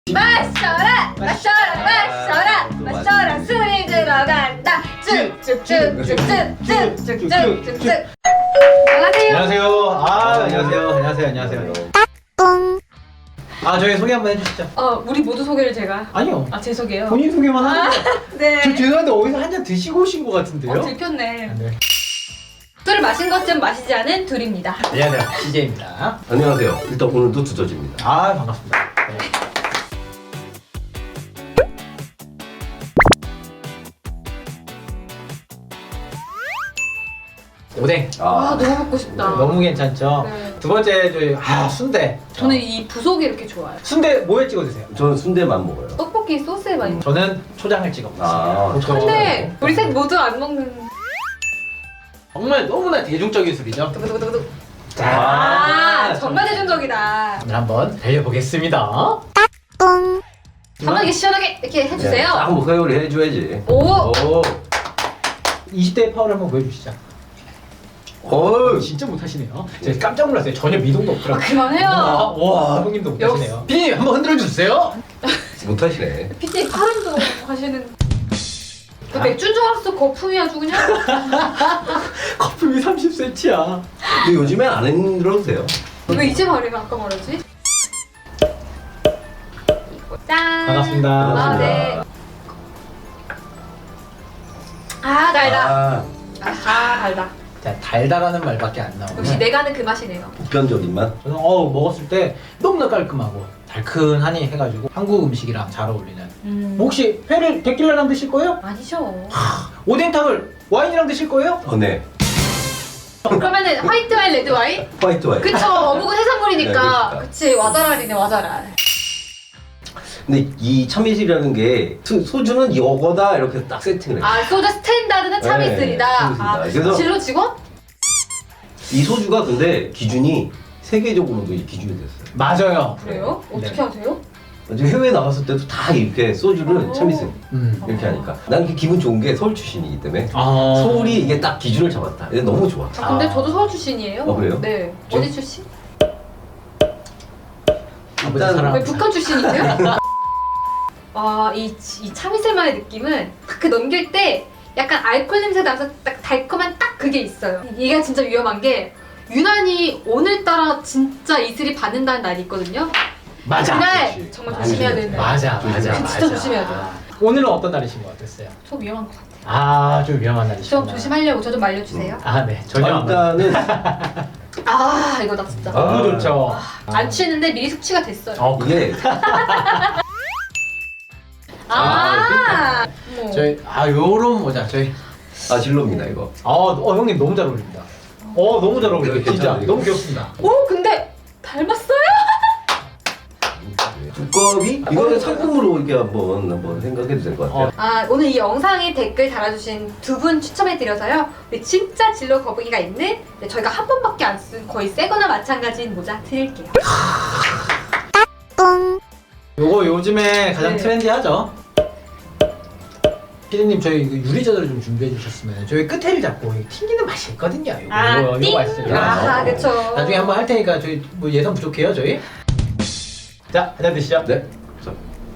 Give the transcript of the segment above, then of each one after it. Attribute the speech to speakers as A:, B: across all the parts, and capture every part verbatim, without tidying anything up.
A: 마셔라 마셔라 마셔라 마셔라 술이 들어간다 쭉쭉쭉쭉쭉쭉쭉쭉쭉. 안녕하세요.
B: 안녕하세요. 아 안녕하세요. 안녕하세요. 안녕하세요. 아 저희 소개 한번 해주시죠.
A: 어 우리 모두 소개를 제가.
B: 아니요.
A: 아 제 소개요.
B: 본인 소개만 하는 거.
A: 네.
B: 저 죄송한데 어디서 한 잔 드시고 오신 것 같은데요?
A: 어 들켰네.
B: 아, 네.
A: 술을 마신 것쯤 마시지 않은 둘입니다.
B: 안녕하세요. 씨제이입니다.
C: 안녕하세요. 일단 오늘도 두더지입니다.
B: 아 반갑습니다. 네. 오뎅.
A: 아 너무 먹고 싶다.
B: 너무 괜찮죠?
A: 네.
B: 두 번째 저희 아 순대.
A: 저는 이 부속이 이렇게 좋아요.
B: 순대 뭐에 찍어 드세요?
C: 저는 순대만 먹어요.
A: 떡볶이 소스에 많이.
B: 저는 초장을 찍어
C: 아,
B: 먹습니다.
A: 근데 우리 셋 모두 안 먹는.
B: 정말 너무나 대중적인 술이죠.
A: 두구두구두구.
B: 자,
A: 아 정말 대중적이다.
B: 오늘 한번 달려보겠습니다.
A: 편하게 시원하게 이렇게 해주세요.
C: 딱 한번 회오리 해줘야지.
A: 오.
B: 오. 이십 대의 파워를 한번 보여주시죠.
C: 어우,
B: 진짜 못하시네요. 제가 깜짝 놀랐어요. 전혀 미동도
A: 아,
B: 없더라고요.
A: 그만해요.
B: 와, 와, 형님도 못하시네요. 피디님 한번 흔들어 주세요.
C: 못하시네.
A: 피디 팔음도 하시는. 그 맥주인 줄 알았어. 거품이 아주 그냥.
B: 거품이 삼십 센티미터야.
C: 근데 요즘엔 안 흔들어도 돼요.
A: 왜 이제 말해? 아까 말하지? 짠.
B: 반갑습니다.
A: 아 네. 아 달다.
C: 아,
A: 아 달다.
B: 자, 달달하는 말밖에 안 나오네.
A: 역시 내가 하는 그 맛이네요.
C: 보편적인 맛.
B: 저는 어 먹었을 때 너무나 깔끔하고 달큰하니 해가지고 한국 음식이랑 잘 어울리는.
A: 음.
B: 뭐 혹시 회를 데킬라랑 드실 거예요?
A: 아니죠.
B: 오뎅탕을 와인이랑 드실 거예요?
C: 어, 네.
A: 그러면은 화이트 와인, 레드 와인?
C: 화이트 와인.
A: 그쵸. 어묵은 해산물이니까.
C: 네,
A: 그치. 와자랄이네 와자랄.
C: 근데 이 참이슬이라는 게 소- 소주는 이거다 이렇게 딱 세팅을 해요.
A: 아 소주 스탠다드는 참이슬이다.
C: 네, 참이슬이다.
A: 아
C: 그래서-
A: 진로 직원?
C: 이 소주가 근데 기준이 세계적으로도 이 기준이 됐어요.
B: 맞아요.
A: 그래요? 어떻게
B: 네.
A: 하세요?
C: 이제 해외 나갔을 때도 다 이렇게 소주를
A: 오.
C: 참이슬
B: 음.
C: 이렇게 하니까 난 그게 기분 좋은 게 서울 출신이기 때문에
B: 아.
C: 서울이 이게 딱 기준을 잡았다. 이게 너무 좋아.
A: 아 근데
B: 아.
A: 저도 서울 출신이에요.
C: 어, 그래요?
A: 네.
B: 저-
A: 어디 출신?
B: 아버지
C: 일단-
B: 사랑.
A: 왜 북한 출신이세요? 아, 이, 이 참이슬만의 느낌은 그 넘길 때 약간 알코올 냄새 나면서 딱 달콤한 딱 그게 있어요. 이게 진짜 위험한 게 유난히 오늘따라 진짜 이슬이 받는다는 날이 있거든요.
B: 맞아.
A: 그날
C: 그렇지.
A: 정말
C: 맞아.
A: 조심해야 되는 날.
B: 맞아, 맞아,
C: 진짜
B: 맞아.
A: 조심해야 돼요.
B: 오늘은 어떤 날이신 것 같았어요?
A: 저 위험한 것 같아요.
B: 아, 좀 위험한 날이시구나.
A: 좀 조심하려고 저 좀 말려주세요.
B: 아, 네. 전혀 안 맞아요.
C: 일단은
A: 아, 이거 나 진짜.
C: 아.
B: 너무 좋죠.
A: 안 취했는데 미리 숙취가 됐어요.
B: 어, 그
C: 이게
A: 아, 어머.
B: 저희 아 요런 모자 저희
C: 아 진로입니다 이거.
B: 아, 어 형님 너무 잘 어울립니다. 어 너무 잘 어울려요.
C: 이거
B: 진짜
C: 괜찮아요, 이거.
B: 너무 귀엽습니다.
A: 오, 근데 닮았어요?
C: 두꺼비 이거는 상품으로 이렇게 한번 한번 생각해도 될 것 같아요.
B: 어.
A: 아 오늘 이 영상에 댓글 달아주신 두 분 추첨해드려서요. 우리 진짜 진로 거북이가 있는 네, 저희가 한 번밖에 안 쓴 거의 새거나 마찬가지인 모자 드릴게요.
B: 요거 요즘에 가장
A: 네.
B: 트렌디하죠. 피디님 저희 그 유리자들을 좀 준비해 주셨으면 저희 끝에를 잡고 이거 튕기는 맛이 있거든요. 요거
A: 아,
B: 요거,
A: 띵!
B: 요거 맛있어요.
A: 아,
C: 어.
A: 그쵸.
B: 나중에 한번 할 테니까 저희 뭐 예산 부족해요 저희. 자 한잔 드시죠.
C: 네. 자,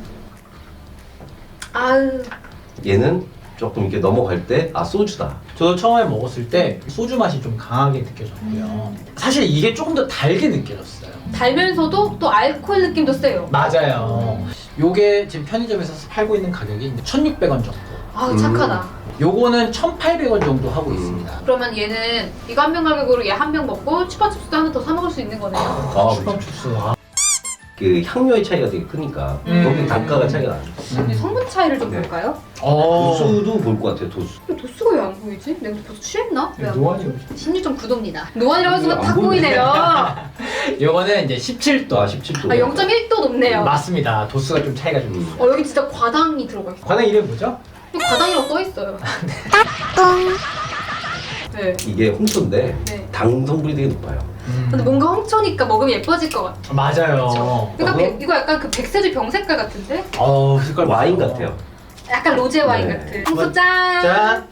A: 아유,
C: 얘는 조금 이렇게 넘어갈 때 아 소주다.
B: 저도 처음에 먹었을 때 소주 맛이 좀 강하게 느껴졌고요.
A: 음.
B: 사실 이게 조금 더 달게 느껴졌어요.
A: 달면서도 또 알코올 느낌도 세요.
B: 맞아요. 요게 지금 편의점에서 팔고 있는 가격이 천육백 원 정도.
A: 아우, 착하다.
B: 요거는 천팔백 원 정도 하고
C: 음.
B: 있습니다.
A: 그러면 얘는 이거 한 병 가격으로 얘 한 병 먹고 추파춥스도 하나 더 사 먹을 수 있는 거네요.
C: 아,
B: 슈퍼 주스. 아,
C: 그 향료의 차이가 되게 크니까
B: 음.
C: 여기 단가가 차이가 나요.
A: 근데 성분 차이를 좀
C: 네.
A: 볼까요?
B: 어.
C: 도수도 볼 것 같아요. 도수.
A: 왜 도수가 왜 안 보이지? 내가 벌써 취했나? 왜안
B: 노안이
A: 보이지? 십육 점 구 도입니다. 노안이라고 해서
C: 안
A: 탁
C: 보이네.
A: 보이네요. 아,
B: 요거는 이제 십칠 도.
C: 아 십칠 도.
A: 영 점 일 도 높네요.
B: 맞습니다. 도수가 좀 차이가 좀
C: 음.
B: 있어요.
A: 어, 여기 진짜 과당이 들어가 있어.
B: 과당 이름 뭐죠?
A: 여기 과당이라고 써 있어요. 네.
C: 이게 홍초인데
A: 네.
C: 당 성분이 되게 높아요.
B: 음.
A: 근데 뭔가 홍초니까 먹으면 예뻐질 것 같아.
B: 맞아요.
A: 그러니까
C: 어.
A: 백- 이거 약간 그 백세주 병 색깔 같은데?
B: 어, 색깔
C: 와인
B: 봐요.
C: 같아요.
A: 약간 로제 와인
C: 네.
A: 같은. 홍초 짠.
B: 짠.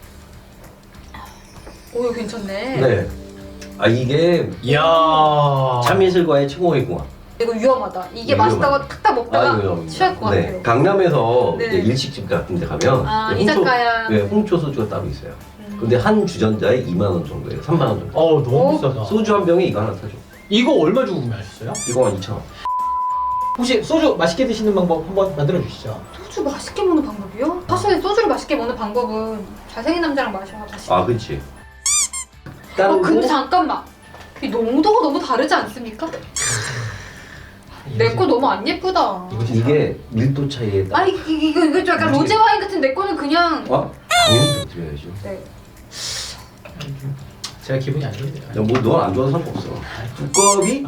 A: 오, 이거 괜찮네.
C: 네. 아 이게
B: 이야.
C: 참이슬과의 최고의 궁합.
A: 이거 위험하다. 이게
C: 네,
A: 맛있다고 탁탁 먹다가
C: 아, 이거
A: 취할 것
C: 네,
A: 같아요.
C: 강남에서
A: 네.
C: 이제 일식집 같은 데 가면
A: 아,
C: 네,
A: 이자카야.
C: 네, 홍초 소주가 따로 있어요.
A: 음.
C: 근데 한 주전자에 이만 원 정도예요. 삼만 원 정도.
B: 어 너무
A: 어?
B: 비싸다.
C: 소주 한 병에 이거 하나 사줘.
B: 이거 얼마 주고 구매하셨어요?
C: 이거 한 이천 원.
B: 혹시 소주 맛있게 드시는 방법 한번 만들어 주시죠.
A: 소주 맛있게 먹는 방법이요? 사실 소주를 맛있게 먹는 방법은 잘생긴 남자랑 마셔야 맛있어.
C: 아, 그렇지.
A: 어, 근데 잠깐만. 이 농도가 너무 다르지 않습니까? 내 거 너무 안 예쁘다.
B: 이것이
C: 이게 밀도 차이에 따라.
A: 아 이- 이- 이거 이거 좀 약간
C: 뭐지?
A: 로제 와인 같은 내 거는 그냥.
C: 어? 당연히 더 드려야죠.
A: 네.
B: 제가 기분이 안 좋네요.
C: 뭐넌안 좋아도 상관없어. 두꺼비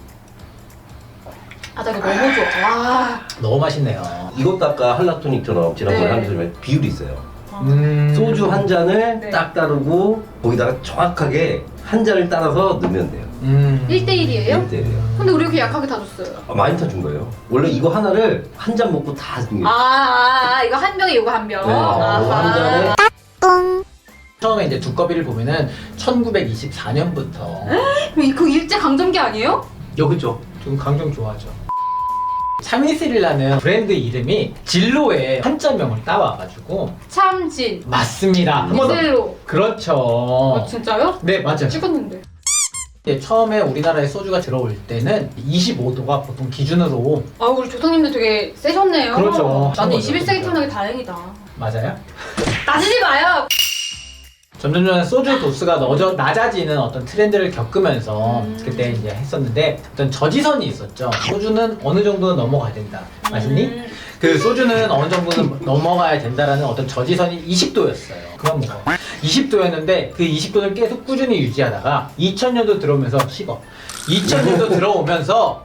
A: 아 나 이거 너무 좋아. 와.
B: 너무 맛있네요.
C: 이것도 아까 할라토닉처럼 지난번에
A: 네.
C: 한 것처럼 비율이 있어요.
B: 음.
C: 소주 한 잔을
A: 네.
C: 딱 따르고 거기다가 정확하게 한 잔을 따라서 넣으면 돼요.
B: 음.
A: 일 대 일이에요?
C: 일 대 일이에요.
A: 근데 우리 이렇게 약하게 다 줬어요.
C: 아, 많이 타준 거예요. 원래 이거 하나를 한 잔 먹고 다 주는 게
A: 아, 아, 아 이거 한 병에 이거 한 병.
C: 네, 이거 한 잔에
B: 처음에 이제 두꺼비를 보면은 천구백이십사 년부터
A: 그럼 그 일제 강점기 아니에요?
C: 여 그죠?
B: 좀 강정 좋아하죠. 참이슬이라는 브랜드 이름이 진로의 한자명을 따와가지고
A: 참진.
B: 맞습니다. 한 번 더.
A: 이슬로.
B: 그렇죠.
A: 어, 진짜요?
B: 네 맞아요.
A: 찍었는데.
B: 이제 처음에 우리나라에 소주가 들어올 때는 이십오 도가 보통 기준으로
A: 아 우리 조상님들 되게 세셨네요.
B: 그렇죠.
A: 나는
B: 거죠,
A: 이십일 세기
B: 진짜.
A: 태어나기 다행이다.
B: 맞아요.
A: 따지지 마요.
B: 점점점 소주 도수가 너저 낮아지는 어떤 트렌드를 겪으면서
A: 음.
B: 그때 이제 했었는데 어떤 저지선이 있었죠. 소주는 어느 정도는 넘어가야 된다. 맛있니?
A: 음.
B: 그 소주는 어느 정도는 넘어가야 된다라는 어떤 저지선이 이십 도였어요. 그만 먹어. 이십 도였는데 그 이십 도를 계속 꾸준히 유지하다가 이천 년도 들어오면서 식어. 이천 년도 들어오면서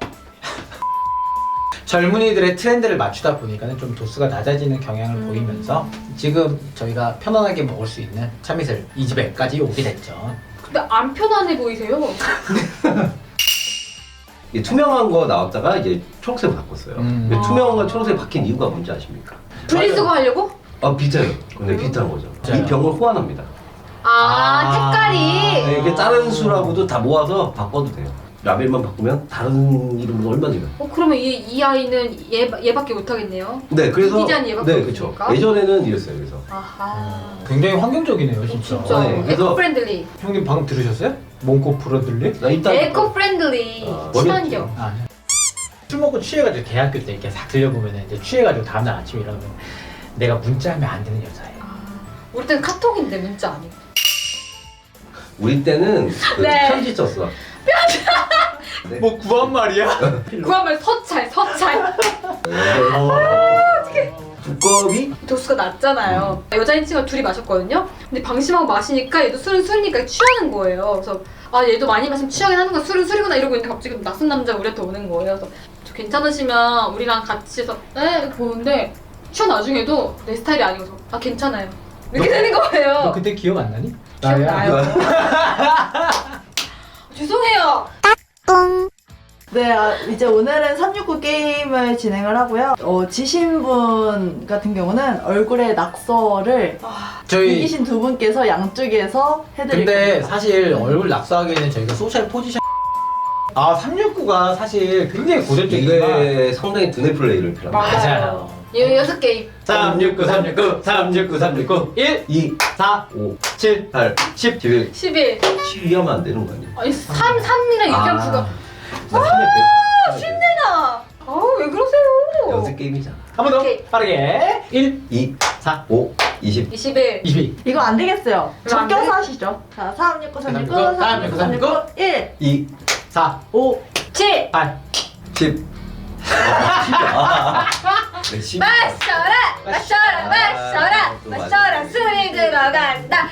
B: 젊은이들의 트렌드를 맞추다 보니까는 좀 도수가 낮아지는 경향을
A: 음.
B: 보이면서 지금 저희가 편안하게 먹을 수 있는 참이슬 이 집에까지 오게 됐죠.
A: 근데 안 편안해 보이세요?
C: 이게 투명한 거 나왔다가 이제 초록색 바꿨어요.
B: 음.
C: 근데 투명한 거 초록색 바뀐 이유가 뭔지 아십니까?
A: 분리수거 하려고?
C: 아 비슷해요. 근데 비슷한 거죠.
B: 진짜요?
C: 이 병을 호환합니다.
A: 아,
B: 아.
A: 색깔이.
C: 네, 이게 다른 술하고도 다 모아서 바꿔도 돼요. 라벨만 바꾸면 다른 이름으로 얼마든지.
A: 어 그러면 이, 이 아이는 얘, 얘밖에 못하겠네요.
C: 네, 그래서
A: 디자인 얘밖에
C: 네,
A: 없으니까?
C: 그렇죠. 예전에는 이랬어요. 그래서
A: 아하.
B: 굉장히 환경적이네요,
A: 어,
B: 진짜.
A: 진짜
C: 네, 그래서-
A: 에코 프렌들리.
B: 형님 방금 들으셨어요? 몽고 프로들리?
C: 나 일단
A: 에코 프렌들리
C: 아,
A: 친환경.
B: 아, 술 먹고 취해가지고 대학교 때 이렇게 싹 들려보면 이제 취해가지고 다음날 아침에 일어나면 내가 문자하면 안 되는 여자예요.
A: 아, 우리 때는 카톡인데 문자 아니고.
C: 우리 때는 그
A: 네.
C: 편지 썼어. 네.
B: 뭐 구한 말이야?
A: 그야말로 서찰 서찰.
C: 두꺼비?
A: 도수가 낮잖아요. 여자인 친구가 둘이 마셨거든요. 근데 방심하고 마시니까 얘도 술은 술이니까 취하는 거예요. 그래서 아 얘도 많이 마시면 취하긴 하는구나. 술은 술이구나 이러고 있는데 갑자기 낯선 남자가 우리한테 오는 거예요. 그래서 저 괜찮으시면 우리랑 같이 해서 에? 보는데 취한 나중에도 내 스타일이 아니어서 아 괜찮아요. 이렇게
B: 너-
A: 되는
B: 너
A: 거예요.
B: 그때 기억 안 나니?
A: 기억나요. 죄송해요.
D: 네, 아, 이제 오늘은 삼육구 게임을 진행을 하고요. 어, 지신 분 같은 경우는 얼굴에 낙서를
B: 저희
D: 이기신 두 분께서 양쪽에서 해드릴
B: 근데
D: 겁니다.
B: 사실 얼굴 낙서하기에는 저희가 소셜 포지션 아 삼육구가 사실 굉장히 고전적이지만
C: 이게 상당히 두뇌 플레이를 필요합니다.
B: 맞아요.
A: 이 여섯 게임.
B: 삼육구 삼육구 삼육구 삼육구 일
C: 이,
B: 사
C: 오,
B: 칠
C: 팔,
B: 십
C: 십일,
A: 십일.
C: 십이 하면 안 되는 거 아니에요?
A: 아니 삼, 삼이랑 일 점 구가.
C: 아,
A: 힘내나. 아우 왜 그러세요?
C: 연습 게임이잖아.
B: 한 번 더
A: 오케이.
B: 빠르게 일
C: 이,
B: 사
C: 오, 이십.
A: 이십일.
B: 이십이
D: 이거 안 되겠어요.
A: 이거 안
D: 적겨서
A: 돼?
D: 하시죠. 자, 삼육구, 삼육구,
B: 삼육구,
D: 삼육구, 삼육구, 일,
C: 이,
B: 사
D: 오,
A: 칠.
B: 팔
C: 십. 아, 십이야. 네, 십.
A: 마셔라 마셔라 마셔라
C: 아, 또
A: 마셔라
C: 맞아.
A: 술이 들어간다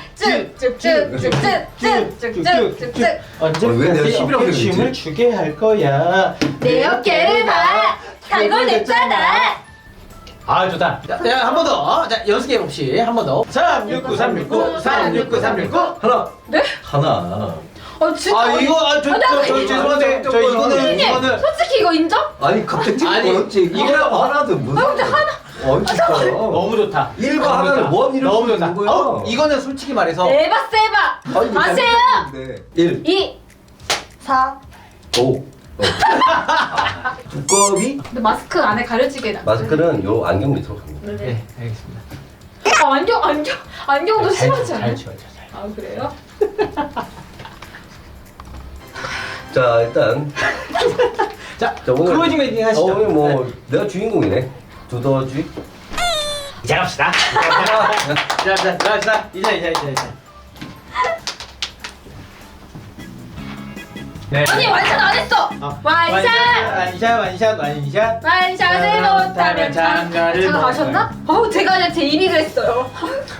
A: 쭉쭉쭉쭉쭉쭉쭉쭉쭉쭉
C: 왜 내가 십이라고
B: 어깨 춤을
C: 그랬지?
B: 추게 할 거야
A: 내 어깨를 봐 달고 냈잖아.
B: 아 좋다. 자 한 번 더. 자 연습해 봅시. 한 번 더. 삼육구 삼육구 삼육구 삼육구.
C: 하나.
A: 네?
C: 하나.
A: 어 진짜
B: 아 이거 아저
A: 아, 나
B: 저, 저,
A: 이거-
B: 죄송한데 저 이거는
A: 선생님
B: 이거는
A: 솔직히 이거 인정?
C: 아니 갑자기 찍고
B: 아니,
C: 걸었지. 이거라고 하나도 무슨.
A: 아 근데 하나
C: 어 진짜.
B: 너무 좋다.
C: 일과
B: 너무
C: 하나를
B: 좋다.
C: 원 이럴
B: 너무
C: 수
B: 좋다.
C: 있는 거야.
B: 어, 이거는 솔직히 말해서
A: 에바 세바
C: 아니,
A: 마세요.
C: 네. 일,
A: 이
D: 사,
C: 오, 두꺼비?
A: 근데 마스크 안에 가려지게 나.
C: 마스크는 요 안경 밑으로 갑니다.
A: 네.
B: 네, 알겠습니다.
A: 아, 안경 안경 안경도
B: 잘,
A: 심하지
B: 잘
A: 않아요?
B: 치워져, 잘.
A: 아 그래요?
C: 자 일단
B: 자,
C: 자, 오늘-
B: 클로징 멘팅
C: 어,
B: 하시죠.
C: 오늘 뭐
B: 네.
C: 내가 주인공이네. 두더지.
B: 이제 갑시다. 자, 자, 자, 자, 이제, 이제, 이제, 이제. 네.
A: 아니 완샷 안 했어.
B: 어,
A: 완샷.
B: 완샷, 완샷, 완샷.
A: 완샷을 못하면
B: 장가를
A: 장가
B: 먹어요.
A: 가셨나? 어우 제가 그냥 제 이미를 했어요.